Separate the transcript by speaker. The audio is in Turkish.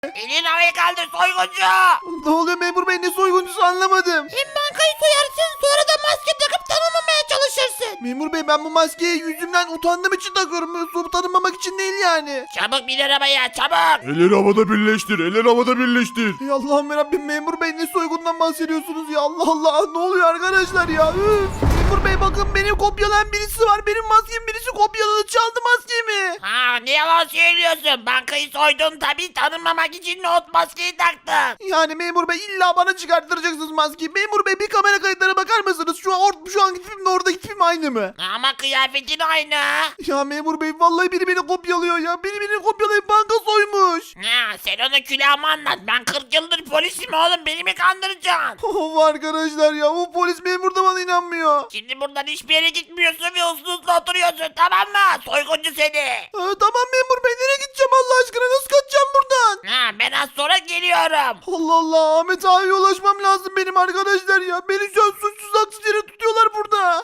Speaker 1: Elini havaya kaldır soyguncu.
Speaker 2: Ne oluyor memur bey, ne soyguncusu anlamadım.
Speaker 1: Hem bankayı soyarsın sonra da maske takıp tanımamaya çalışırsın.
Speaker 2: Memur bey, ben bu maskeyi yüzümden utandığım için takıyorum. Yoksa tanınmamak için değil yani.
Speaker 1: Çabuk bin arabaya çabuk.
Speaker 3: Elleri havada birleştir. Elleri havada birleştir.
Speaker 2: Ey Allah'ım yarabbim, memur bey ne soygundan bahsediyorsunuz ya? Allah Allah, ne oluyor arkadaşlar ya? Üf. Memur bey bakın, beni kopyalayan birisi var. Benim maskemi birisi kopyaladı, çaldı maskemi.
Speaker 1: Ha ne yalan söylüyorsun. Bankayı soydun tabii tanınmamak için not maskeyi taktın.
Speaker 2: Yani memur bey illa bana çıkarttıracaksınız maskeyi. Memur bey bir kamera kayıtlarına bakar mısınız? Şu anki tipimle oradaki tipim aynı mı?
Speaker 1: Ama kıyafetin aynı.
Speaker 2: Ya memur bey vallahi biri beni kopyalıyor ya. Beni kopyalayıp banka soymuş.
Speaker 1: Ha, sen onu külahıma anlat. Ben 40 yıldır polisim oğlum. Beni mi kandıracaksın?
Speaker 2: Of arkadaşlar ya, bu polis memur da bana inanmıyor.
Speaker 1: Şimdi buradan hiçbir yere gitmiyorsun ve uslu uslu oturuyorsun tamam mı? Soyguncu seni.
Speaker 2: Tamam memur bey, nereye gideceğim Allah aşkına? Nasıl kaçacağım buradan?
Speaker 1: Ha, ben az sonra geliyorum.
Speaker 2: Allah Allah, Ahmet abiye ulaşmam lazım benim arkadaşlar ya. Beni şu an